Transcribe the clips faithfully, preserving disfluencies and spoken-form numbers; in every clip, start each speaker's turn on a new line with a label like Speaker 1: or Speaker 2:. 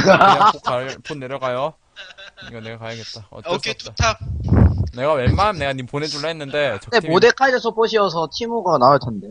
Speaker 1: 그냥 폰, 가, 폰 내려가요. 이거 내가 가야겠다. 어쩔 수
Speaker 2: 오케이,
Speaker 1: 없다.
Speaker 2: 투탑.
Speaker 1: 내가 웬만하면 내가 님 보내줄라 했는데
Speaker 3: 근데
Speaker 1: 적팀이
Speaker 3: 모데카이저 서폿이어서 티모가 나을 텐데.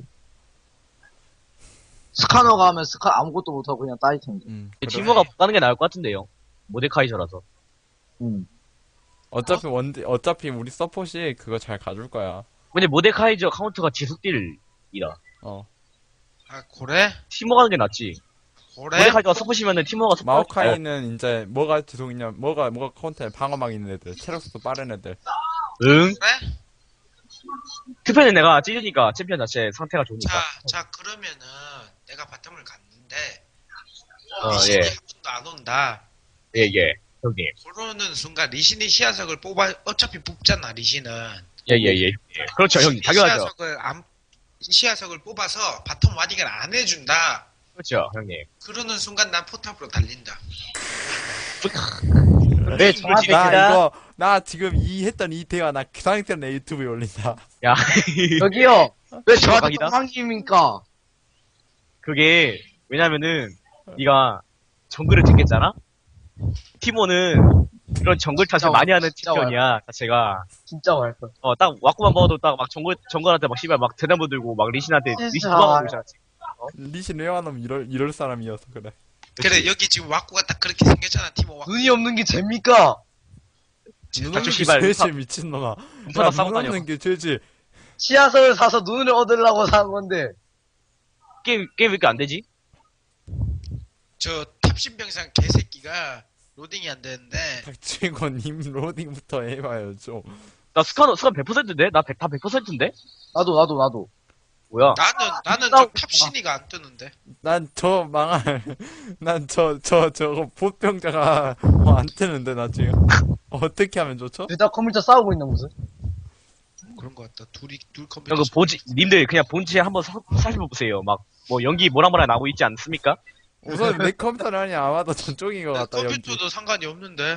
Speaker 3: 스카너가 하면 스카 아무것도 못하고 그냥 따일 텐데.
Speaker 1: 음,
Speaker 4: 티모가 가는 게 나을 것 같은데요. 모데카이저라서.
Speaker 3: 음.
Speaker 1: 어차피 원딜 어차피 우리 서폿이 그거 잘 가줄 거야.
Speaker 4: 근데 모데카이저 카운트가 지속딜이라.
Speaker 1: 어.
Speaker 2: 아, 고래?
Speaker 4: 티모 가는 게 낫지.
Speaker 2: 고래?
Speaker 4: 모데카이저가 서포시면은 티모가 서포.
Speaker 1: 마오카이는 이제 뭐가 지속이냐 뭐가 뭐가 카운터에 방어막 있는 애들, 체력도 빠른 애들.
Speaker 4: 응.
Speaker 2: 그래?
Speaker 4: 투표는 내가 찢으니까 챔피언 자체 상태가 좋으니까.
Speaker 2: 자, 자, 그러면은, 내가 바텀을 갔는데,
Speaker 4: 어,
Speaker 2: 리신이
Speaker 4: 예.
Speaker 2: 한 번도 안 온다.
Speaker 4: 예, 예. 형님.
Speaker 2: 그러는 순간 리신이 시야석을 뽑아, 어차피 뽑잖아, 리신은.
Speaker 4: 예, 예, 예. 예. 그렇죠, 형님. 당연하죠.
Speaker 2: 시야석을 안, 시야석을 뽑아서 바텀 와딩을 안 해준다.
Speaker 4: 그렇죠, 형님.
Speaker 2: 그러는 순간 난 포탑으로 달린다.
Speaker 4: 네, 저한테
Speaker 1: 나
Speaker 4: 그다.
Speaker 1: 이거 나 지금 이 했던 이 대화 나 그 상태로 내 유튜브에 올린다.
Speaker 4: 야,
Speaker 3: 여기요. 왜 저한테
Speaker 4: 대박이다.
Speaker 3: 똥망입니까?
Speaker 4: 그게 왜냐면은 네가 정글을 찍겠잖아. 티모는 그런 정글 탓을
Speaker 3: 진짜
Speaker 4: 많이 하는
Speaker 3: 진짜
Speaker 4: 챔피언이야. 자체가.
Speaker 3: 진짜 말걸.
Speaker 4: 어, 딱 와꾸만 봐도 딱 막 정글 정글한테 막 씨발 막 대나무 들고 막 리신한테
Speaker 3: 진짜.
Speaker 4: 리신 도망가고 있잖아.
Speaker 1: 리신 레어놈 이럴 이럴 사람이어서 그래.
Speaker 2: 그래, 여기 지금 와꾸가 딱 그렇게 생겼잖아, 티모 와꾸.
Speaker 3: 눈이 없는 게 죄입니까?
Speaker 1: 눈
Speaker 4: 닥쳐,
Speaker 1: 없는 게
Speaker 4: 씨발.
Speaker 1: 죄지 미친놈아.
Speaker 4: 눈파다 싸고
Speaker 1: 눈
Speaker 4: 다녀.
Speaker 1: 없는 게 죄지.
Speaker 3: 씨앗을 사서 눈을 얻으려고 산 건데.
Speaker 4: 게임 게임 왜 이렇게 안 되지?
Speaker 2: 저 탑신병상 개새끼가 로딩이 안 되는데,
Speaker 1: 닥치고 님 로딩부터 해봐요 좀.
Speaker 4: 나 스카너 스카 백 퍼센트인데? 나 백, 다 백 퍼센트인데?
Speaker 3: 나도 나도 나도.
Speaker 4: 뭐야?
Speaker 2: 나는, 나는
Speaker 3: 싸우고
Speaker 2: 저 탑신이가 안 뜨는데.
Speaker 1: 난 저 망할 난 저 저 저거 보병자가 어, 안 뜨는데 나 지금 어떻게 하면 좋죠?
Speaker 3: 둘 다 컴퓨터 싸우고 있는 모습.
Speaker 2: 그런 것 같다. 둘이, 둘 컴퓨터.
Speaker 4: 형, 그 보지, 님들 그냥 본체 한번 사- 살펴보세요. 막, 뭐, 연기 모락모락 나고 있지 않습니까?
Speaker 1: 우선 내 컴퓨터는 아니 아마도 전쪽인 것
Speaker 2: 나
Speaker 1: 같다. 여기.
Speaker 2: 컴퓨터도 상관이 없는데.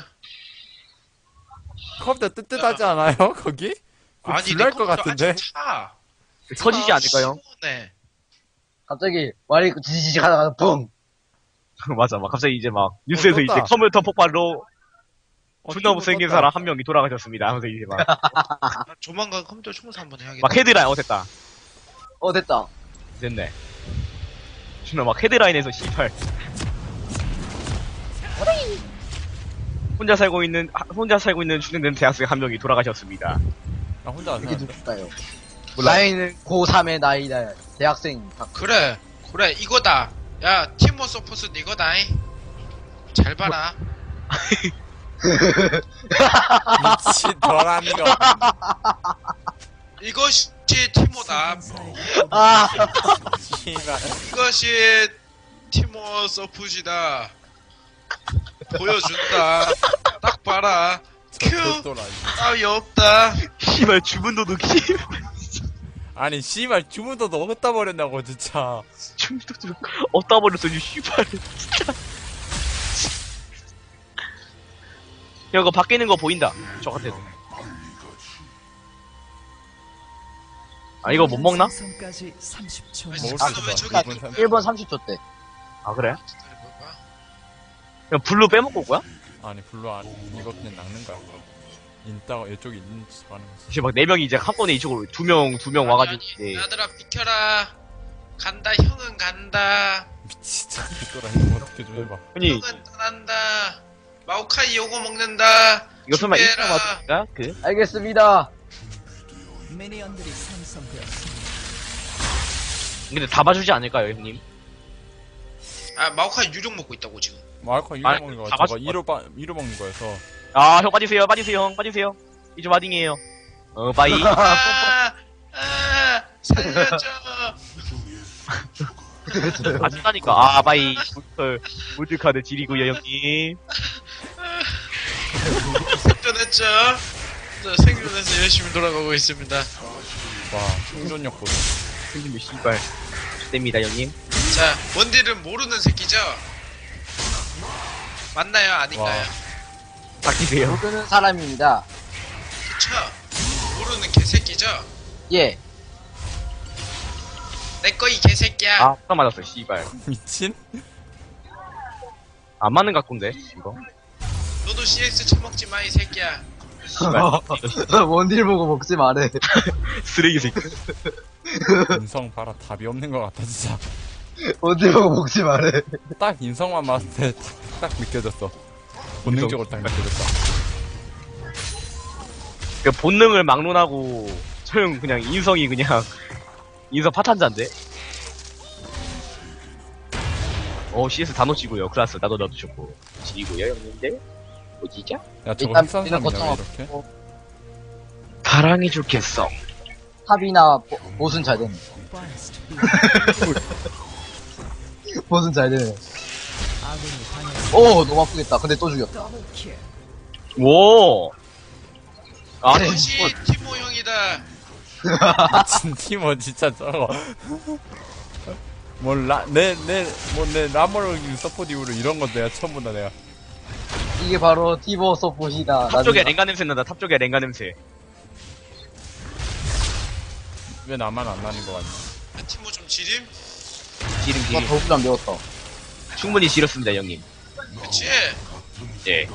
Speaker 1: 컴퓨터 뜨뜻하지 않아요 거기?
Speaker 2: 아니,
Speaker 1: 불날
Speaker 2: 내
Speaker 1: 것
Speaker 2: 컴퓨터
Speaker 1: 같은데?
Speaker 2: 아직 차.
Speaker 4: 터지지 않을까요?
Speaker 2: 네.
Speaker 3: 갑자기 말이 지지직 하다가 붕.
Speaker 4: 맞아, 막 갑자기 이제 막, 뉴스에서
Speaker 1: 떴다.
Speaker 4: 이제 컴퓨터 폭발로
Speaker 1: 어,
Speaker 4: 존나 못생긴
Speaker 1: 떴다.
Speaker 4: 사람 한 명이 돌아가셨습니다. 하면서 이제 막,
Speaker 2: 나 조만간 컴퓨터 청소 한번 해야겠다.
Speaker 4: 막 헤드라인, 어, 됐다.
Speaker 3: 어 됐다.
Speaker 4: 됐네. 존나 막 헤드라인에서 씨발. 혼자 살고 있는, 하- 혼자 살고 있는 중년된 대학생 한 명이 돌아가셨습니다.
Speaker 1: 나 혼자 안
Speaker 3: 이게
Speaker 1: 사는데.
Speaker 3: 누굴까요?
Speaker 4: 몰라요.
Speaker 3: 나이는 고삼의 나이다. 대학생.
Speaker 2: 그래, 그래, 이거다. 야, 티모 서포트는 이거다잉. 잘 봐라.
Speaker 1: 미친 더라는 거.
Speaker 2: 이것이 티모다.
Speaker 3: 아,
Speaker 1: 씨발.
Speaker 2: 이것이 티모 서폿이다. 보여준다. 딱 봐라. 큐.
Speaker 1: 별도라.
Speaker 2: 따위 없다.
Speaker 4: 씨발, 주문 도둑이.
Speaker 1: 아니 씨발 주문도도 어디다 버렸냐고 진짜.
Speaker 4: 주문 도둑. 어디다 버렸어, 이 씨발. 진짜. 야, 이거 밖에 있는 거 보인다. 저 같아도. 아, 이거 못 먹나?
Speaker 5: 생성까지 삼십 초.
Speaker 2: 아니,
Speaker 1: 먹을
Speaker 2: 아,
Speaker 1: 수
Speaker 2: 왜
Speaker 1: 있어.
Speaker 2: 저기
Speaker 1: 이분 삼-
Speaker 3: 일 분 삼십 초 때.
Speaker 4: 아, 그래?
Speaker 2: 기다려봐봐.
Speaker 4: 그냥 블루 빼먹고 올 거야?
Speaker 1: 아니 블루 안 이거 그냥 낚는 거야. 인따가 이쪽에 있는 짓 하는 거지.
Speaker 4: 이제 막 네 명이 이제 한꺼번에 이쪽으로 두 명, 두 명 와가지고,
Speaker 2: 아니,
Speaker 4: 이제.
Speaker 2: 아들아 비켜라. 간다. 형은 간다.
Speaker 1: 미친 별도라. 이거 어떻게 좀 해봐.
Speaker 4: 형님,
Speaker 2: 형은 떠난다. 마오카이 요거 먹는다.
Speaker 4: 이거 설마 일
Speaker 2: 준비해라.
Speaker 4: 점 맞을까? 그?
Speaker 3: 알겠습니다.
Speaker 5: 미니언들이 생성되었습니다.
Speaker 4: 근데 다 봐주지 않을까요, 형님?
Speaker 2: 아, 마오카이 유령 먹고 있다고 지금.
Speaker 1: 마이크 이로
Speaker 4: 아니,
Speaker 1: 먹는 거.
Speaker 4: 다
Speaker 1: 저거
Speaker 4: 맛있-
Speaker 1: 이로 빠 이로 먹는 거여서.
Speaker 4: 아, 형 빠지세요, 빠지세요, 형, 빠지세요. 이제 와딩이에요. 어, 빠이.
Speaker 2: 아, 아, 살려줘.
Speaker 4: 빠진다니까. 아, 빠이. 물털, 물들카드 지리고요, 형님.
Speaker 2: 생존했죠. 저 생존해서 열심히 돌아가고 있습니다.
Speaker 1: 와 충전력 보다.
Speaker 4: 형님, 씨발. 됩니다, 형님.
Speaker 2: 자, 뭔지를 모르는 새끼죠? 맞나요? 아닌가요?
Speaker 4: 바뀌세요.
Speaker 3: 모르는 사람입니다.
Speaker 2: 그쵸? 모르는 개새끼죠?
Speaker 3: 예.
Speaker 2: 내꺼 이 개새끼야.
Speaker 4: 아, 딱 맞았어, 씨발.
Speaker 1: 미친?
Speaker 4: 안 맞는 각도인데 이거.
Speaker 2: 너도 씨엑스 처먹지 마 이 새끼야.
Speaker 3: 원딜 보고 먹지 말해.
Speaker 4: 쓰레기 새끼.
Speaker 1: 인성 봐라 답이 없는 것 같아 진짜.
Speaker 3: 원딜 보고 먹지 말해.
Speaker 1: 딱 인성만 봤을 때 딱 느껴졌어. 본능적으로 딱 느껴졌어.
Speaker 4: 그 본능을 막론하고 처형 그냥 인성이 그냥 인성 파탄자인데. 어 씨에스 다 놓치고요. 클라스 나도 넣어주셨고 지리고요 형님들. 뭐지죠?
Speaker 1: 야 저거
Speaker 3: 일단
Speaker 1: 흑산
Speaker 3: 우리는
Speaker 1: 사람이냐 왜
Speaker 3: 거점
Speaker 1: 이렇게?
Speaker 3: 없고
Speaker 4: 사랑해 줄겠어.
Speaker 3: 탑이나 보- 보스는 잘 되네.
Speaker 5: First
Speaker 3: 보스는 잘 되네.
Speaker 5: 아군이 당했습니다.
Speaker 3: 오 너무 아프겠다. 근데 또 죽였다.
Speaker 5: 더블 킬.
Speaker 4: 오. 아
Speaker 2: 역시 티모 형이다.
Speaker 1: 미친 팀원 진짜 저거. 뭐라내내뭐내 라머를 서포트 이후로 이런 건 내가 처음 본다 내가.
Speaker 3: 이게 바로 티보 서폿이다.
Speaker 4: 탑 쪽에
Speaker 3: 나중에
Speaker 4: 랭가 냄새 난다. 탑 쪽에 랭가 냄새.
Speaker 1: 왜 나만 안 나는 거 같냐?
Speaker 2: 티모 좀 지림?
Speaker 4: 지름
Speaker 3: 나
Speaker 4: 지름.
Speaker 3: 더블 안 배웠다.
Speaker 4: 충분히 지렸습니다 형님.
Speaker 2: 그치?
Speaker 4: 예.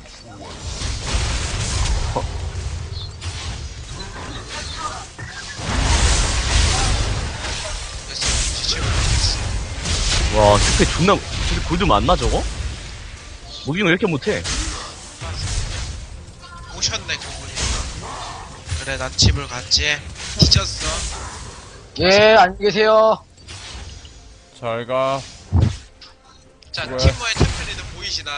Speaker 2: 됐어. 지치고 됐어.
Speaker 4: 와 스페 존나 근데 골드 맞나 저거? 무빙을 왜 이렇게 못해?
Speaker 2: 오셨네 그분이. 그래 난 집을 갔지. 뒤졌어.
Speaker 3: 예 안녕히 계세요.
Speaker 1: 잘가.
Speaker 2: 자
Speaker 1: 뭐야?
Speaker 2: 티모의 템플리는 보이시나?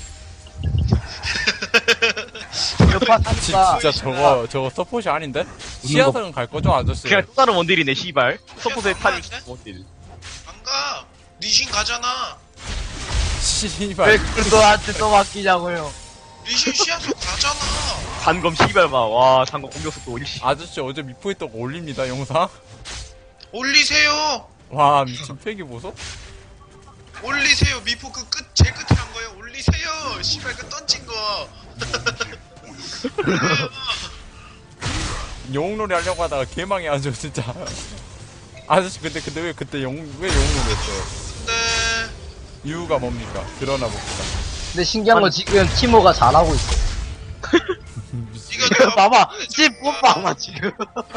Speaker 3: 여파
Speaker 1: 진,
Speaker 3: 사니까
Speaker 1: 진짜 저거 저거 서폿이 아닌데? 시야석은 갈 거죠 아저씨?
Speaker 4: 그냥 또 다른 원딜이네 씨발. 서포트에 탈
Speaker 2: 그냥
Speaker 4: 원딜.
Speaker 2: 안 가. 리신 가잖아.
Speaker 3: 왜
Speaker 1: 씨발.
Speaker 3: 그걸 너한테 또 맡기냐고요.
Speaker 2: 리신 시야서 가잖아.
Speaker 4: 단검 씨발 봐. 와 단검 공격 속도 일시.
Speaker 1: 아저씨 어제 미포했던 거 올립니다 영상.
Speaker 2: 올리세요.
Speaker 1: 와 미친 팩이 보소?
Speaker 2: 올리세요. 미포 그 끝, 제일 끝에 한 거예요. 올리세요. 씨발 그 던진 거.
Speaker 1: 영웅놀이 하려고 하다가 개망해가지고 진짜. 아저씨 근데 근데 왜 그때 영웅 왜 영웅놀이 했어요?
Speaker 2: 근데
Speaker 1: 이유가 뭡니까? 드러나 봅시다.
Speaker 3: 근데 신기한 건 지금 티모가 잘하고 있어.
Speaker 2: 이거
Speaker 3: 봐봐, 집 뽑아봐 지금.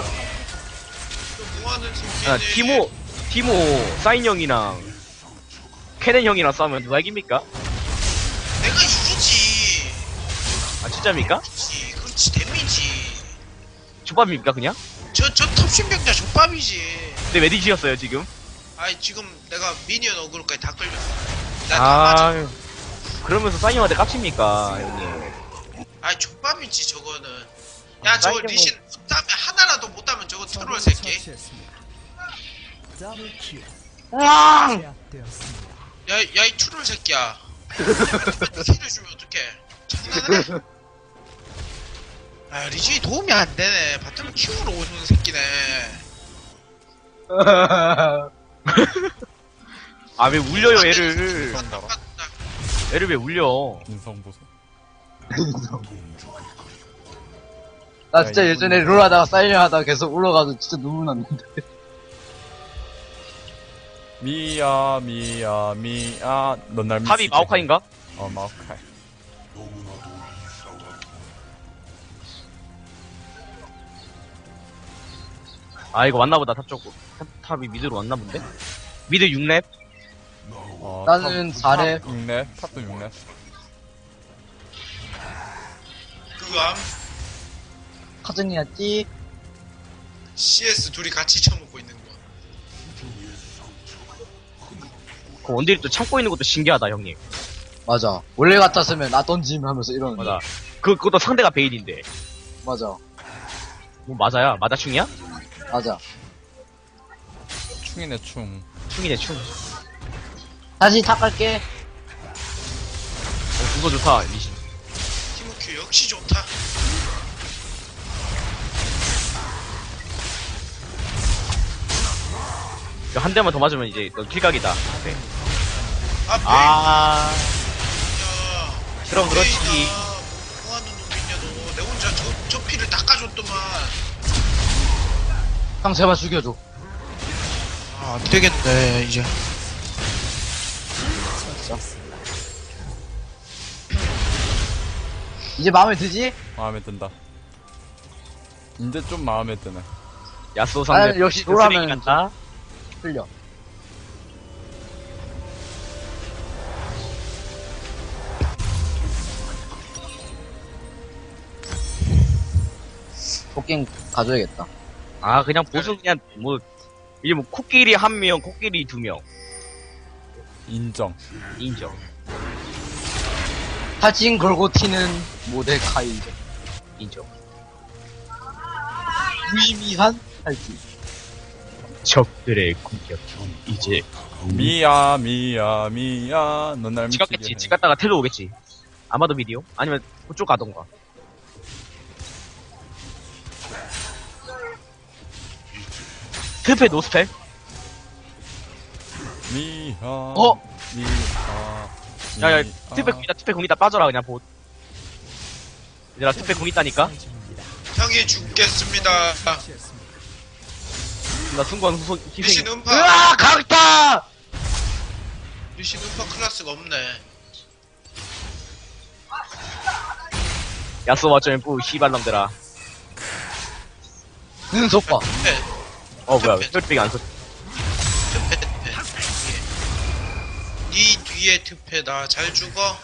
Speaker 2: 뭐하는 새끼지?
Speaker 4: 아 티모 티모 사인 형이랑 케넨 형이랑 싸우면 누가 이깁니까?
Speaker 2: 내가 이기지.
Speaker 4: 아 진짜입니까?
Speaker 2: 그렇지, 그렇지 데미지.
Speaker 4: 족밥입니까 그냥?
Speaker 2: 저 저 탑신병자 족밥이지.
Speaker 4: 근데 왜 뒤지셨어요 지금?
Speaker 2: 아이 지금 내가 미니언 어그로까지 다 끌렸어. 나다 맞아.
Speaker 4: 아 그러면서 사인 형한테 깝칩니까 형님?
Speaker 2: 아이 족밥이지 저거는. 야 저거
Speaker 4: 사이드
Speaker 2: 리신 못하면 하나라도 못하면 저거 트롤
Speaker 5: 적을
Speaker 2: 새끼.
Speaker 5: 처치했습니다. 더블 킬.
Speaker 3: 으앙!
Speaker 5: 제압되었습니다.
Speaker 2: 야야 이 트롤 새끼야. 킬을 주면 어떡해? 장난해? 아 리신이 도움이 안 되네. 바텀을 키우러 오는 새끼네.
Speaker 4: 아 왜 울려요 애를?
Speaker 2: 맞다 맞다.
Speaker 4: 애를 왜 울려?
Speaker 1: 인성 보소.
Speaker 3: 나 진짜 예전에 롤 하다가 사이렌 하다가 계속 울어가지고 진짜 눈물 났는데.
Speaker 1: 미야 미야 미야 넌날 미치.
Speaker 4: 탑이 마오카인가?
Speaker 1: 어 마오카이.
Speaker 4: 아 이거 왔나보다 탑 쪽. 탑, 탑이 미드로 왔나 본데? 미드 육 렙?
Speaker 1: 어,
Speaker 3: 나는
Speaker 1: 탑-
Speaker 3: 잘해.
Speaker 1: 탑 육 렙, 탑도 육 렙.
Speaker 2: 그암
Speaker 3: 카즈니였지?
Speaker 2: 씨에스 둘이 같이 처먹고 있는 거.
Speaker 4: 그 원딜이 또 참고 있는 것도 신기하다 형님.
Speaker 3: 맞아. 원래 같았으면 나 던짐 하면서 이러는데.
Speaker 4: 맞아. 그 그것도 상대가 베일인데.
Speaker 3: 맞아.
Speaker 4: 뭐 맞아야? 맞아충이야?
Speaker 3: 맞아.
Speaker 1: 충이네 충.
Speaker 4: 충이네 충. 어
Speaker 3: 다시 탁 갈게.
Speaker 4: 그거 좋다 리신.
Speaker 2: 티모큐 역시 좋다.
Speaker 4: 이거 한 대만 더 맞으면 이제 너 킬각이다. 네.
Speaker 2: 아 베인.
Speaker 4: 아
Speaker 2: 야.
Speaker 4: 그럼 그렇지.
Speaker 2: 베인아, 뭐하는 놈이냐 너. 내 혼자 저, 저 피를 닦아줬더만.
Speaker 3: 형 제발 죽여줘.
Speaker 2: 아 안되겠네 이제.
Speaker 3: 이제 마음에 드지?
Speaker 1: 마음에 든다. 이제 좀 마음에 드네.
Speaker 4: 야스오
Speaker 3: 아,
Speaker 4: 상대
Speaker 3: 역시
Speaker 4: 쓰레기
Speaker 3: 노라면
Speaker 4: 같다.
Speaker 3: 틀려. 토끼 가져야겠다.
Speaker 4: 아 그냥 보스 그냥 뭐 이제 뭐 코끼리 한 명, 코끼리 두 명.
Speaker 1: 인정.
Speaker 4: 인정.
Speaker 3: 사진 걸고 튀는 모데카이.
Speaker 4: 인정.
Speaker 3: 무의미한 탈진.
Speaker 4: 적들의 공격 이제
Speaker 1: 미야, 미야, 미야. 넌 날 미치게
Speaker 4: 지갔겠지.
Speaker 1: 해.
Speaker 4: 지 갔다가 텔로 오겠지. 아마도 미디오? 아니면 그쪽 가던가. 스페 노스펠?
Speaker 1: 미야.
Speaker 3: 어?
Speaker 1: 미야.
Speaker 4: 야야
Speaker 1: 미야.
Speaker 4: 스페 공이다 스페 공이다 빠져라 그냥 보. 얘들아 스페 공 있다니까?
Speaker 5: 중입니다.
Speaker 2: 형이 죽겠습니다.
Speaker 5: 처치했습니다.
Speaker 4: 나 순간 후속
Speaker 2: 리신
Speaker 4: 희생.
Speaker 2: 음파.
Speaker 3: 으아, 강타!
Speaker 2: 리신 음파 클래스가 없네.
Speaker 4: 야스오 맞쩌면 뿌 씨발놈들아.
Speaker 3: 눈속 봐.
Speaker 2: 네.
Speaker 4: 어 뭐야 혈백이 안 써.
Speaker 2: 트페 트페. 니 뒤에 트페 나 잘 죽어.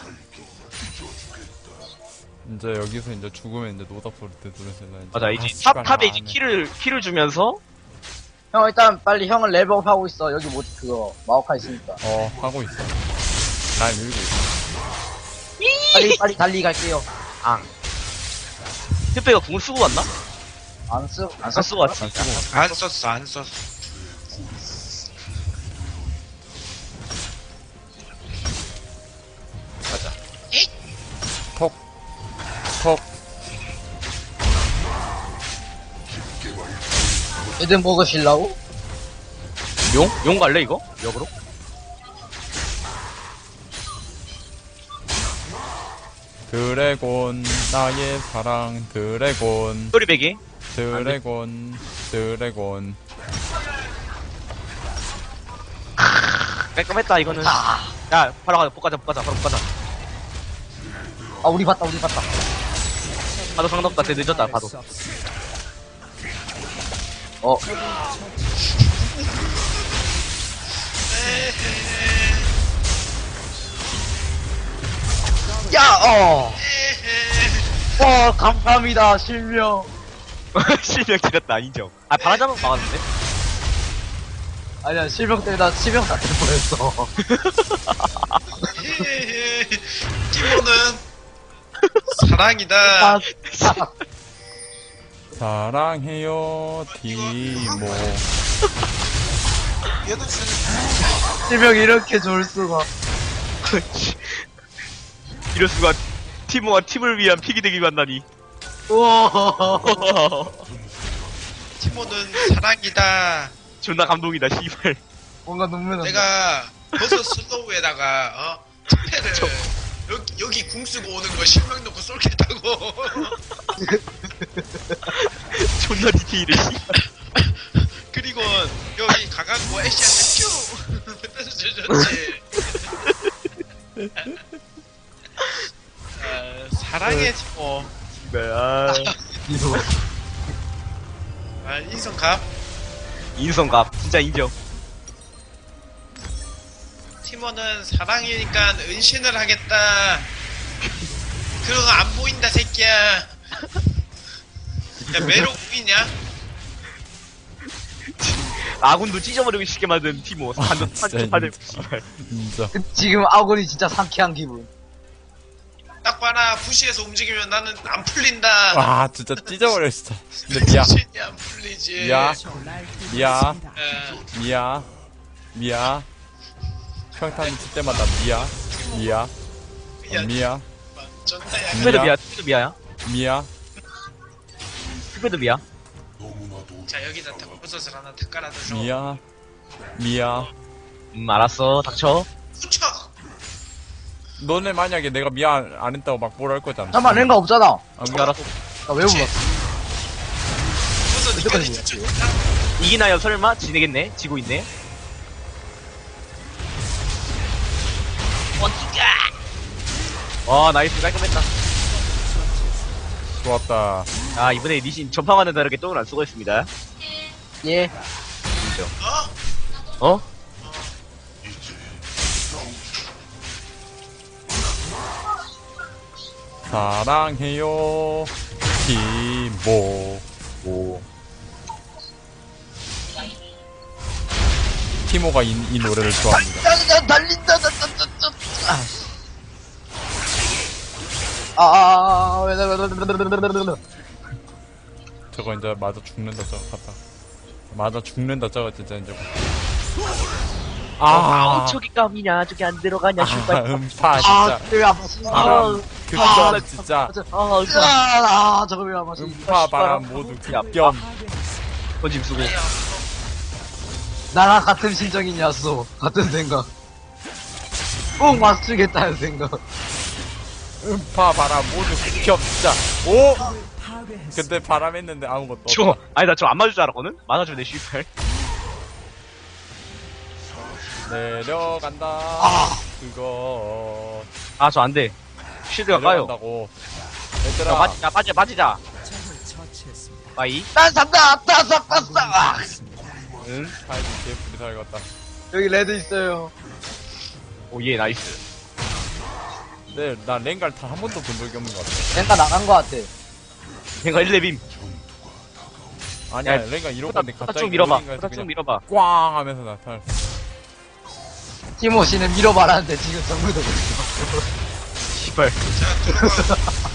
Speaker 1: 이제 여기서 이제 죽으면 이제 노답 때 누르세요.
Speaker 4: 맞아 이제
Speaker 1: 씨발,
Speaker 4: 탑 탑에
Speaker 1: 안
Speaker 4: 이제
Speaker 1: 해.
Speaker 4: 키를 키를 주면서
Speaker 3: 형, 일단 빨리 형은 레벨업하고 있어. 여기 뭐, 그거, 마오카 있으니까.
Speaker 1: 어, 하고 있어. 날 밀고 있어.
Speaker 3: 빨리, 빨리 달리 갈게요.
Speaker 4: 앙. 혈백이가 궁을 쓰고 왔나?
Speaker 3: 안 쓰, 안
Speaker 4: 안
Speaker 3: 썼어.
Speaker 4: 쓰고 왔지.
Speaker 2: 안 썼어 안 썼어.
Speaker 4: 맞아.
Speaker 1: 톡. 톡.
Speaker 3: 애들 먹으실라고?
Speaker 4: 용? 용 갈래 이거? 역으로?
Speaker 1: 드래곤, 나의 사랑, 드래곤,
Speaker 4: 소리배기?
Speaker 1: 드래곤, 드래곤.
Speaker 4: 깔끔했다 이거는.
Speaker 3: 아,
Speaker 4: 야 바로 가자 볶아자 볶아자 바로 볶아자.
Speaker 3: 아, 우리 봤다, 우리 봤다.
Speaker 4: 봐도 상관없다. 쟤 늦었다 봐도.
Speaker 5: 수 없습니다.
Speaker 3: 어, 야, 어. 어, 감사합니다, 실명.
Speaker 4: 실명 지렸다 인정. 아 바라자면 막았는데?
Speaker 3: 아니야, 실명 때문에 나 실명 다 될 뻔했어.
Speaker 2: 티모는 사랑이다.
Speaker 3: 아, 아,
Speaker 1: 사랑해요, 티모.
Speaker 2: 얘도 진
Speaker 3: 실명 이렇게 좋을 수가.
Speaker 4: 이럴 수가. 티모와 팀을 위한 픽이 되기 만나니.
Speaker 3: 우와.
Speaker 2: 티모는 사랑이다.
Speaker 4: 존나 감동이다 씨발.
Speaker 3: 뭔가 눈물 난다.
Speaker 2: 내가 버섯 슬로우에다가 어 티페를 여기 여기 궁 쓰고 오는 거 실명 놓고 쏠겠다고.
Speaker 4: 존나 디테일해 씨발.
Speaker 2: 그리고 여기 가갖고 애쉬한테 퓨 뺏어 주셨지. 아, 사랑해 티모.
Speaker 4: 아,
Speaker 3: 이거.
Speaker 2: 아 인성갑.
Speaker 4: 인성갑 진짜 인정.
Speaker 2: 티모는 사랑이니까 은신을 하겠다. 그런 거 안 보인다 새끼야. 야 메로 보이냐?
Speaker 4: 아군도 찢어버리고 싶게 만든 티모. 한번
Speaker 1: 진짜
Speaker 4: 한번
Speaker 1: 인정.
Speaker 4: 씨발.
Speaker 1: 인정.
Speaker 3: 지금 아군이 진짜 상쾌한 기분.
Speaker 2: 딱 봐라 부시에서 움직이면 나는 안 풀린다.
Speaker 1: 와, 진짜 찢어버려, 진짜. 근데 미야,
Speaker 2: 정신이 안 풀리지.
Speaker 1: 미야,
Speaker 5: 날
Speaker 1: 미야.
Speaker 5: 뚫었습니다.
Speaker 2: 어,
Speaker 1: 미야, 미야. 평탄 칠 때마다 미야, 미야,
Speaker 2: 야,
Speaker 1: 미야,
Speaker 2: 존나 약.
Speaker 4: 스페드
Speaker 1: 미야.
Speaker 4: 미야. 스페드 미야야?
Speaker 1: 미야.
Speaker 4: 스페드 미야?
Speaker 2: 자 여기다 탁 버섯을 하나 탁 깔아줘서.
Speaker 1: 미야, 미야.
Speaker 4: 음 알았어 닥쳐.
Speaker 2: 후쳐.
Speaker 1: 너네 만약에 내가 미안 안 했다고 막 뭐라 할 거잖아.
Speaker 3: 잠깐만, 랭가 없잖아.
Speaker 1: 아,
Speaker 4: 음 알았어.
Speaker 3: 나 왜 불렀어?
Speaker 2: 버섯 니까지
Speaker 3: 여기까지
Speaker 2: 추천.
Speaker 4: 이기나요 설마? 지내겠네? 지고 있네? 어디가? 와 나이스 깔끔했다.
Speaker 1: 좋았다.
Speaker 4: 아, 이번에 리신 전파와는 다르게 똥을 안 쓰고 있습니다.
Speaker 3: 예.
Speaker 2: 어?
Speaker 4: 어?
Speaker 1: 사랑해요. 티모. 오. 티모가 이, 이 노래를 좋아합니다.
Speaker 3: 달린다, 달린다, 달린다, 아, 아, 왜, 왜, 왜, 왜, 왜, 왜, 왜, 왜.
Speaker 1: 저거 이제 맞아 죽는다 저거 갔다. 맞아 죽는다 저거 진짜 이제. 아,
Speaker 4: 저기 깜이냐, 저기 안 들어가냐,
Speaker 1: 아, 음파
Speaker 3: 아,
Speaker 1: 진짜.
Speaker 3: 왜 안 마시? 아,
Speaker 1: 바람 극혐 진짜.
Speaker 4: 아, 음파.
Speaker 3: 아, 저거 왜 안 마시?
Speaker 1: 음파 바람 모두
Speaker 4: 야,
Speaker 1: 극혐.
Speaker 4: 건짐 쓰고.
Speaker 3: 나랑 같은 심정이냐소. 같은 생각. 꼭 맞추겠다는 생각.
Speaker 1: 음파 바람 모두 극혐 진짜. 오.
Speaker 5: 파괴했습니다.
Speaker 1: 근데 바람 했는데 아무것도 없다.
Speaker 4: 저, 아니, 나 저 안 맞을 줄 알았거든? 맞아주면 내 슈퍼.
Speaker 1: 내려간다. 그거
Speaker 4: 아, 저 안 돼. 쉴드가 까요.
Speaker 1: 내려간다고.
Speaker 4: 야,
Speaker 1: 얘들아.
Speaker 4: 빠지자, 빠지자, 빠지자.
Speaker 5: 적을 처치했습니다.
Speaker 4: 빠이.
Speaker 3: 난 산다, 아따, 쌌다, 싸.
Speaker 4: 응.
Speaker 1: 타이밍 개뿔이 살겠다.
Speaker 3: 여기 레드 있어요.
Speaker 4: 오, 예, 나이스.
Speaker 1: 근데 나 랭갈 단 한 번도 본 적이 없는 것 같아.
Speaker 3: 랭가 나간 것 같아.
Speaker 4: 내가 일 레빔.
Speaker 1: 아니야,
Speaker 4: 야,
Speaker 1: 랭갈 이러고
Speaker 4: 후딱,
Speaker 1: 있는데
Speaker 4: 후딱
Speaker 1: 갑자기
Speaker 4: 좀 밀어봐.
Speaker 1: 그
Speaker 4: 후딱 좀
Speaker 1: 그냥
Speaker 4: 밀어봐.
Speaker 1: 꽝 하면서 나타날.
Speaker 3: 티모 씨는 밀어봐라는데 지금 정글도 못해.
Speaker 4: 씨발.
Speaker 2: 자, 들어가.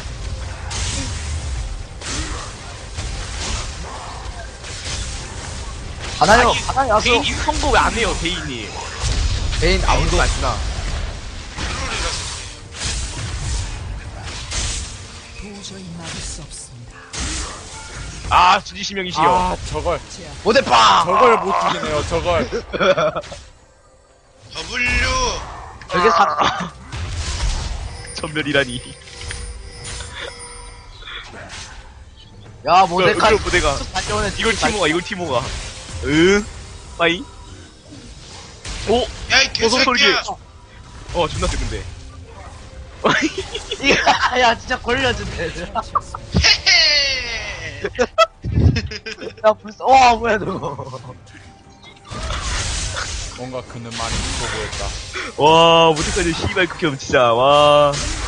Speaker 3: 하나요,
Speaker 4: 아니,
Speaker 3: 하나요, 야수.
Speaker 4: 대인이 선거 왜 안 해요, 대인이?
Speaker 3: 베인 아무도
Speaker 4: 안 쓰나?
Speaker 5: 도저히 막을 수 없습니다.
Speaker 4: 아, 준지시명이시여.
Speaker 1: 아, 저걸,
Speaker 3: 못해봐!
Speaker 1: 저걸 못 죽이네요, 저걸.
Speaker 2: W.
Speaker 3: 저게 사,
Speaker 4: 전멸이라니.
Speaker 3: 야, 모데카.
Speaker 4: 이거 모데가.
Speaker 3: 달려오네.
Speaker 4: 이걸 티모가, 이걸 티모가. 응? 빠이? 오!
Speaker 2: 야, 이
Speaker 4: 어서 소리게.
Speaker 2: 개새끼야.
Speaker 4: 어, 존나 세, 근데.
Speaker 3: 야, 야, 진짜 걸려준대.
Speaker 2: 헤헤.
Speaker 3: 야, 불쌍, 와, 뭐야, 저거.
Speaker 1: 뭔가 그는 많이 무서워 보였다.
Speaker 4: 와, 못해까지 씨발 극혐, 진짜, 와.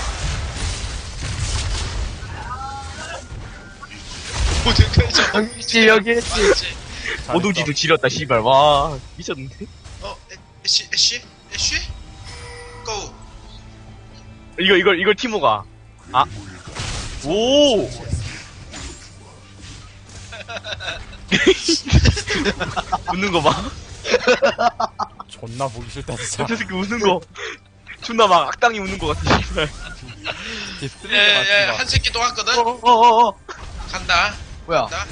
Speaker 2: 어디까지
Speaker 3: 여기, 여기 했지.
Speaker 1: 잘했어.
Speaker 4: 오동지도 지렸다, 씨발, 와. 미쳤는데?
Speaker 2: 어, 애- 애쉬, 애쉬? 애쉬? 고.
Speaker 4: 이거, 이걸, 이걸 티모가. 아. 오! 웃는 거 봐.
Speaker 1: 존나 보기 싫다, 진짜.
Speaker 4: 저 새끼 웃는 거. 존나 막 악당이 웃는 거 같아, 씨발.
Speaker 1: 이 쓰레기
Speaker 2: 예, 예,
Speaker 1: 같은 거.
Speaker 2: 한 새끼 또 왔거든?
Speaker 3: 어어어어.
Speaker 2: 간다.
Speaker 3: 뭐야.
Speaker 2: 간다.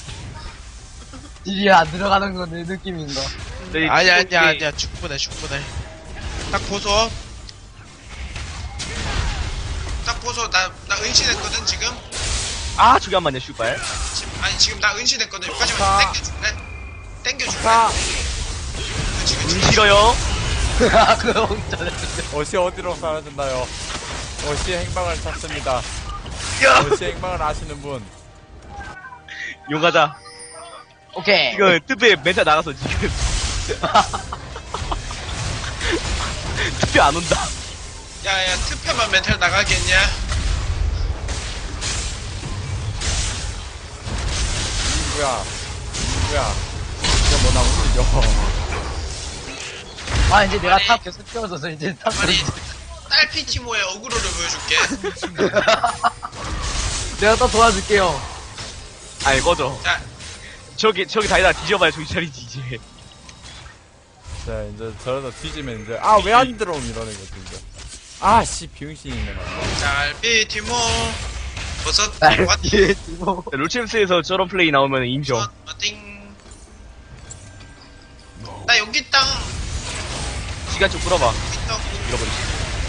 Speaker 3: 딜이 안 들어가는 건 내 느낌인가.
Speaker 4: 저기
Speaker 2: 아니야, 아니야,
Speaker 4: 티모인데
Speaker 2: 아니야. 충분해, 충분해. 딱 보소. 딱 보소. 나, 나 은신했거든, 지금?
Speaker 4: 아, 저기 한 번요, 씨발.
Speaker 2: 지금 아니, 지금 나 은신했거든. 여기까지만
Speaker 1: 아.
Speaker 2: 땡겨줄래? 땡겨줄래?
Speaker 1: 자,
Speaker 2: 그치, 그치,
Speaker 4: 운
Speaker 2: 그치.
Speaker 4: 싫어요?
Speaker 3: 아, 그거 진짜.
Speaker 1: 어시 어디로 사라졌나요? 어시의 행방을 찾습니다.
Speaker 4: 야!
Speaker 1: 어시의 행방을 아시는 분.
Speaker 4: 용가자.
Speaker 3: 오케이.
Speaker 4: 이거 특배 멘탈 나가서 지금. 특배 안 온다.
Speaker 2: 야, 야, 특패만 멘탈 나가겠냐?
Speaker 1: 누구야? 누구야? 이거 뭐나 움직여.
Speaker 3: 아, 이제 내가
Speaker 2: 아니.
Speaker 3: 탑 계속 키워줘서 이제 탑.
Speaker 2: 아니, 딸피 티모의 어그로를 보여줄게.
Speaker 3: 내가 또 도와줄게요.
Speaker 4: 아니, 꺼져.
Speaker 2: 자,
Speaker 4: 저기, 저기 다니다 뒤져봐야 정신 차리지, 이제.
Speaker 1: 자, 이제 저러다 뒤지면 이제, 아, 왜 안 들어옴 이러는 거지, 이제. 아, 씨, 비응신이네, 나.
Speaker 2: 딸피 티모. 버섯,
Speaker 3: 날
Speaker 2: 왓,
Speaker 3: 뒤에 두고.
Speaker 4: 롤챔스에서 저런 플레이 나오면 인정.
Speaker 2: 버섯, 띵. 나 여기 땅.
Speaker 4: 시간 좀 끌어봐.
Speaker 2: 있다고.
Speaker 4: 잃어버리지.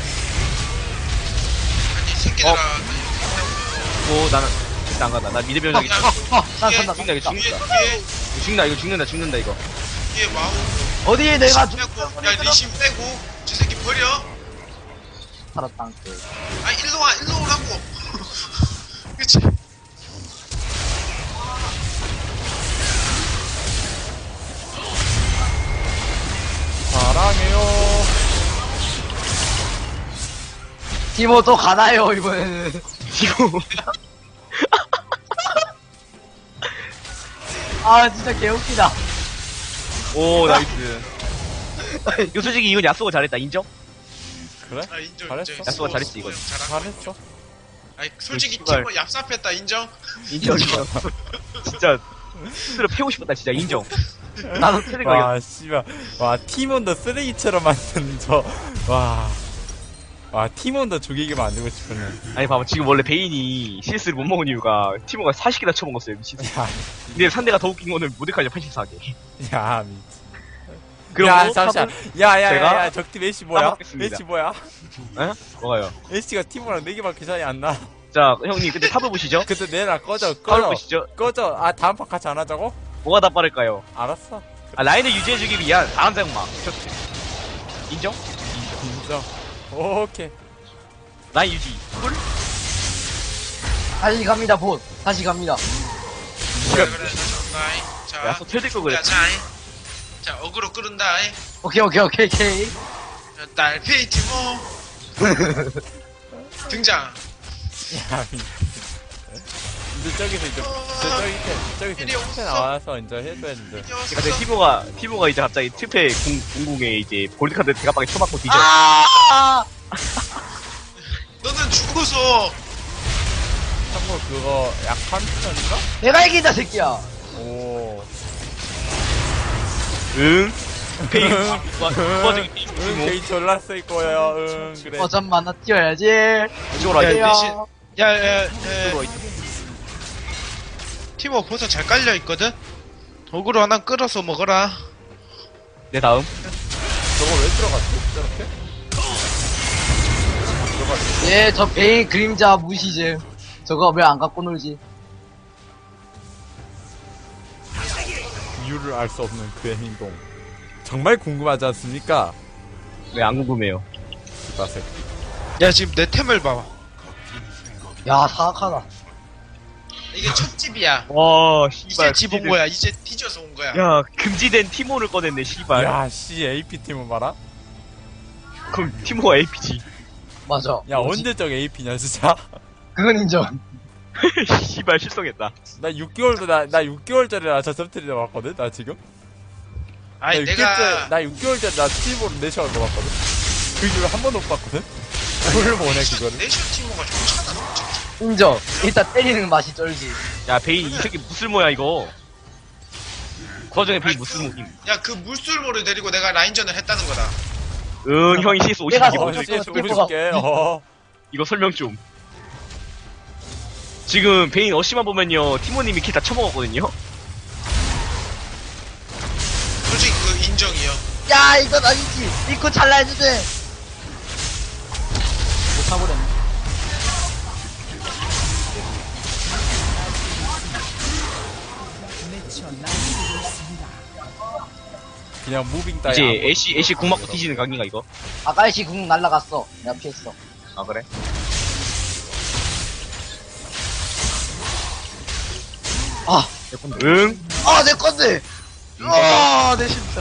Speaker 2: 아니, 이 새끼들아.
Speaker 4: 어.
Speaker 2: 나 여기 있다고.
Speaker 4: 오, 나는, 진짜 안 간다. 나 미드 병력이.
Speaker 2: 야,
Speaker 3: 어, 난
Speaker 2: 뒤에,
Speaker 3: 산다.
Speaker 4: 죽는다, 이거
Speaker 2: 뒤에,
Speaker 4: 죽는다.
Speaker 2: 뒤에,
Speaker 4: 이거 죽는다, 이거 죽는다, 죽는다, 이거.
Speaker 2: 뒤에 와우.
Speaker 3: 어디에 내가
Speaker 2: 리신 빼고, 야, 리신 빼고. 저 새끼 버려.
Speaker 3: 살았다.
Speaker 2: 아, 일로 와, 일로 오라고. 그치?
Speaker 3: 티모 또 가나요, 이번에는.
Speaker 4: 이거
Speaker 3: 아, 진짜 개웃기다.
Speaker 4: 오 나이스. 이거 솔직히 이건 야스오가 잘했다 인정?
Speaker 1: 그래?
Speaker 2: 아 인정
Speaker 1: 잘했어.
Speaker 2: 인정.
Speaker 4: 야스오가 잘했지, 이건.
Speaker 2: 잘한
Speaker 1: 잘했어.
Speaker 2: 아니 솔직히
Speaker 4: 씨발.
Speaker 2: 팀은 얍삽했다 인정.
Speaker 4: 인정 인정. 진짜 스스로 패고 싶었다 진짜 인정. 나도 트릭 거
Speaker 1: 와, 씨발. 와, 팀원도 쓰레기처럼 만든 저, 와. 와, 팀원도 죽이게 만들고 싶었네.
Speaker 4: 아니 봐봐 지금 원래 베인이 씨에스를 못 먹은 이유가 티모가 사십 개나 쳐먹었어요 미친.
Speaker 1: 야,
Speaker 4: 근데 상대가 더 웃긴 거는 모데카이저 팔십사 개.
Speaker 1: 야, 미
Speaker 4: 그럼
Speaker 1: 야,
Speaker 4: 뭐
Speaker 1: 잠시만.
Speaker 4: 탑은-
Speaker 1: 야, 야, 야,
Speaker 4: 제가
Speaker 1: 야, 적팀 애쉬 뭐야?
Speaker 4: 까먹겠습니다.
Speaker 1: 애쉬 뭐야?
Speaker 4: 에? 뭐가요?
Speaker 1: 애쉬가 팀원랑 네 개밖에 차이 안 나.
Speaker 4: 자 형님 근데 탑을 보시죠.
Speaker 1: 근데 내라, 꺼져,
Speaker 4: 탑을
Speaker 1: 꺼져.
Speaker 4: 보시죠.
Speaker 1: 꺼져. 아, 다음 판 같이 안 하자고?
Speaker 4: 뭐가 더 빠를까요?
Speaker 1: 알았어.
Speaker 4: 아 라인을 유지해주기 위한 다음 장막. 인정?
Speaker 1: 인정. 오케이.
Speaker 4: 라인 유지. 꿀?
Speaker 3: 다시 갑니다, 봇. 다시 갑니다.
Speaker 2: 그래 그래 나이. 자.
Speaker 4: 야스 틀릴 거 그래.
Speaker 2: 자, 자, 자 어그로 끄른다.
Speaker 3: 오케이, 오케이, 오케이, 오케이.
Speaker 2: 자, 딸피 티모 등장.
Speaker 1: 야, 미 이제 저기서 이제, 저, 저기, 저기서
Speaker 2: 이리
Speaker 1: 이제
Speaker 2: 오소.
Speaker 1: 나와서 이제 해줘야 되는데.
Speaker 4: 근데 티모가 티모가 이제 갑자기 트페 공공에 이제 골드카드 대가방에 쳐맞고 뒤져.
Speaker 3: 아!
Speaker 2: 너는 죽어서.
Speaker 1: 참고로 그거 약한 편인가?
Speaker 3: 내가 이긴다, 새끼야.
Speaker 1: 오.
Speaker 4: 응? 페인
Speaker 1: 응.
Speaker 4: 도와주기 게임
Speaker 1: 응,
Speaker 4: 티모.
Speaker 1: 게이 졸라 쓸 거야. 응, 그래.
Speaker 3: 어, 잠만, 나 뛰어야지.
Speaker 4: 이쪽으로
Speaker 2: 야,
Speaker 4: 와야지.
Speaker 2: 대신- 야야
Speaker 4: 이쪽으로
Speaker 2: 야.
Speaker 4: 와야지.
Speaker 2: 티모 벌써 잘 깔려 있거든. 어그로 하나 끌어서 먹어라.
Speaker 4: 내 다음.
Speaker 1: 저거 왜 들어갔지? 저렇게?
Speaker 3: 예, 저 베인 그림자 무시즘. 저거 왜 안 갖고 놀지?
Speaker 1: 이유를 알 수 없는 그의 행동. 정말 궁금하지 않습니까?
Speaker 4: 네, 안 궁금해요.
Speaker 1: 나색.
Speaker 2: 야 지금 내 템을 봐봐.
Speaker 3: 야, 사악하다.
Speaker 2: 이게 첫 집이야.
Speaker 4: 와,
Speaker 2: 이제
Speaker 4: 씨발.
Speaker 2: 집 온 거야. 이제 뒤져서 온 거야.
Speaker 4: 야, 금지된 티모를 꺼냈네, 씨발.
Speaker 1: 야, 씨, 에이피팀은 봐라?
Speaker 4: 그럼 티모가 에이피지.
Speaker 3: 맞아.
Speaker 1: 야,
Speaker 3: 뭐지?
Speaker 1: 언제적 에이피냐, 진짜?
Speaker 3: 그건 인정.
Speaker 4: 씨발, 실성했다.
Speaker 1: 나 육 개월도, 나, 나 육 개월짜리라 저 섭트리를 봤거든, 나 지금?
Speaker 2: 아니
Speaker 1: 나
Speaker 2: 내가
Speaker 1: 육 개월짜리, 나 육 개월짜리 나 스티브로 네 시간을 봤거든? 그 이후로 한 번도 못 봤거든? 뭘 보내, 그거를?
Speaker 2: 내셔 티모가 좋잖아.
Speaker 3: 인정. 일단 때리는 맛이 쩔지.
Speaker 4: 야, 베인, 이 새끼 무슬모야, 이거. 그 와중에 베인 무슬모임.
Speaker 2: 야 그 물술모를 데리고 내가 라인전을 했다는 거다.
Speaker 4: 응, 형이 씨에스 오십
Speaker 3: 내가
Speaker 4: 개
Speaker 1: 어,
Speaker 4: 먼저
Speaker 1: 씨,
Speaker 4: 이거,
Speaker 1: 오십개 어.
Speaker 4: 이거 설명 좀. 지금 베인 어시만 보면요, 티모님이 킬 다 쳐먹었거든요?
Speaker 2: 솔직히 그 인정이요.
Speaker 3: 야, 이건 아니지. 믿고 잘라야지. 못 타버렸네.
Speaker 5: 미쳐 날뛰고 있습니다.
Speaker 1: 그냥 무빙 따위.
Speaker 4: 이제
Speaker 1: 안
Speaker 4: 애쉬, 애쉬 궁 맞고 뒤지는 각인가, 이거?
Speaker 3: 아까이씨 궁 날라갔어. 내가 피했어.
Speaker 4: 아, 그래?
Speaker 3: 아,
Speaker 4: 응?
Speaker 3: 아, 내 건데. 아, 내 심장.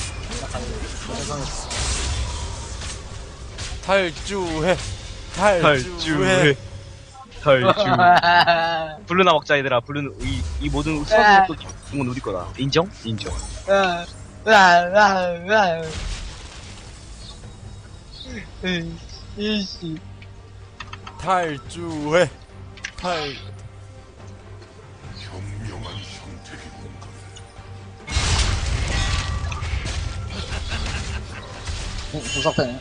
Speaker 1: 탈주해. 탈주해.
Speaker 4: 탈주. 탈주. 블루나 먹자, 얘들아. 블루는, 이, 이 모든 수학의 또 궁은 우리 거다. 인정? 인정.
Speaker 3: 아, 아, 아, 아. 이씨.
Speaker 1: 탈주해. 탈.
Speaker 3: 조사패네.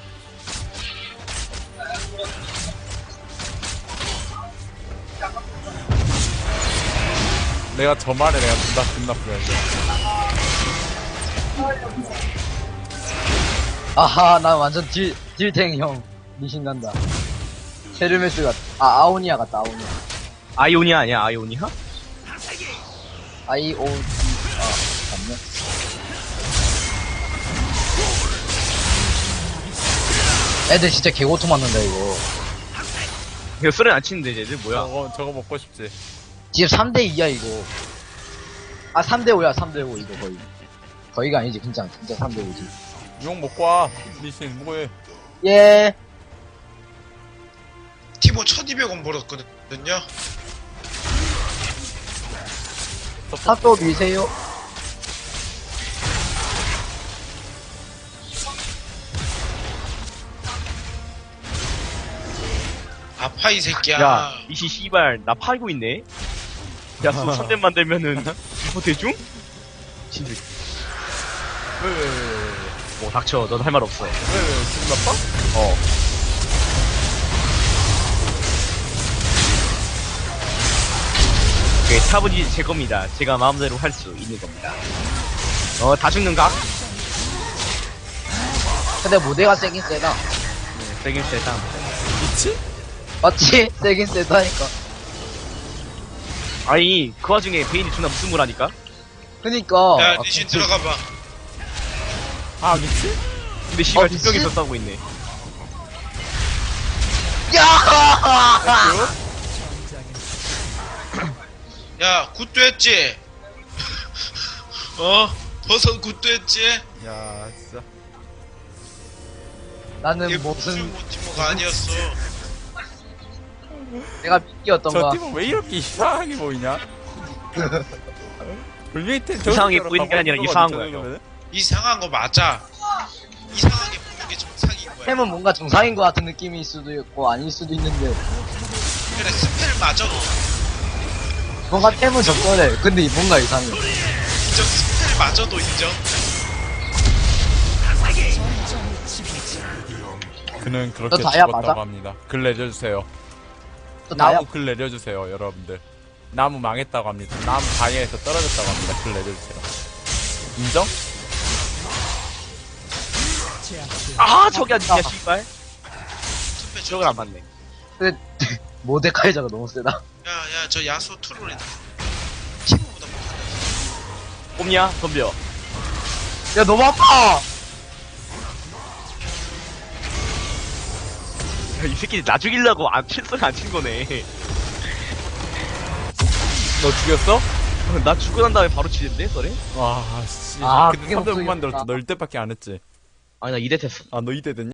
Speaker 1: 내가 저 말에 내가 존나 존나 부러져.
Speaker 3: 아하, 나 완전 딜, 딜탱 형. 미신난다. 헤르메스 같, 아, 아오니아 같다, 아오니아.
Speaker 4: 아이오니아 아니야, 아이오니아?
Speaker 3: 아이, 오, 디, 아, 맞네. 애들 진짜 개고통 맞는다, 이거.
Speaker 4: 이거 썰은 안 치는데, 쟤들 뭐야?
Speaker 1: 저거 저거 먹고 싶지.
Speaker 3: 지금 삼 대 이야, 이거. 아, 삼 대 오야, 삼 대 오, 이거 거의. 거의가 아니지, 진짜. 진짜 삼 대 오지.
Speaker 1: 용 먹고 와. 미신 뭐해?
Speaker 3: 예.
Speaker 2: 티모 천이백 원 벌었거든요.
Speaker 3: 탑도 미세요.
Speaker 2: 아파 이 새끼야.
Speaker 4: 야, 이씨 씨발 나 팔고 있네. 야, 수 삼 대만 되면은 이거 대중? 진짜.
Speaker 1: 왜왜왜왜왜
Speaker 4: 뭐 닥쳐, 넌 할 말 없어.
Speaker 1: 기분 나빠?
Speaker 4: 어. 오케이, 탑은 이제 제 겁니다. 제가 마음대로 할 수 있는 겁니다. 어, 다 죽는 각?
Speaker 3: 근데 모델가 세긴 세다.
Speaker 4: 네, 세긴 세다.
Speaker 1: 미치?
Speaker 3: 맞지? 세긴 세다니까.
Speaker 4: 아니, 그 와중에 베인이 존나 무슨 물 하니까?
Speaker 3: 그니까.
Speaker 2: 야
Speaker 3: 아,
Speaker 2: 리신
Speaker 3: 그-
Speaker 2: 들어가봐.
Speaker 1: 아 미치?
Speaker 4: 근데 씨발
Speaker 3: 어,
Speaker 4: 두 명이서
Speaker 3: 미친?
Speaker 4: 싸우고 있네.
Speaker 3: 야!
Speaker 2: 야 굿도 했지? 어? 버섯 굿도 했지?
Speaker 1: 야 진짜
Speaker 3: 나는
Speaker 2: 얘
Speaker 3: 무슨,
Speaker 2: 무슨 티모가 아니었어.
Speaker 3: 내가 미끼였던
Speaker 1: 저
Speaker 3: 거야.
Speaker 1: 팀은 왜 이렇게 이상하게 보이냐? 분명히 팀
Speaker 4: 이상하게
Speaker 1: 저기서
Speaker 4: 보이는 게 아니라
Speaker 1: 가만히
Speaker 4: 이상한
Speaker 1: 있어봐,
Speaker 4: 거야,
Speaker 1: 저러면은.
Speaker 2: 이상한 거 맞아. 이상하게 보는 게 정상인 거야.
Speaker 3: 템은 뭔가 정상인 것 같은 느낌일 수도 있고, 아닐 수도 있는데.
Speaker 2: 그래 스펠 맞아.
Speaker 3: 뭔가 템은 적절해. 근데 뭔가 이상해.
Speaker 2: 인정. 스펠 맞아도 인정.
Speaker 1: 그는 그렇게
Speaker 3: 너 다이아
Speaker 1: 죽었다고
Speaker 3: 맞아?
Speaker 1: 합니다. 글 내려주세요.
Speaker 3: 또 나야.
Speaker 1: 나무 글 내려주세요, 여러분들. 나무 망했다고 합니다. 나무 다이아에서 떨어졌다고 합니다. 글 내려주세요. 인정?
Speaker 4: 아, 저기 아니야, 씨발.
Speaker 2: 스펠
Speaker 4: 저걸 안 맞네.
Speaker 3: 근데, 모데카이저가 너무 세다.
Speaker 2: 야야 저 야수 트롤이다. 티모보다 못하네.
Speaker 4: 꼽냐? 덤벼.
Speaker 3: 야, 너무 아파!
Speaker 4: 야, 이 새끼 나 죽이려고 안, 칠성 안친 거네.
Speaker 1: 너 죽였어?
Speaker 4: 나 죽고 난 다음에 바로 치는데, 썰에?
Speaker 1: 와, 씨.
Speaker 3: 아,
Speaker 1: 근데
Speaker 3: 그게
Speaker 1: 삼 대 못
Speaker 3: 목소리였구나.
Speaker 1: 만들었어. 너 일 대밖에 안 했지.
Speaker 4: 아니, 나 이 대 됐어.
Speaker 1: 아, 너 이 대 됐냐?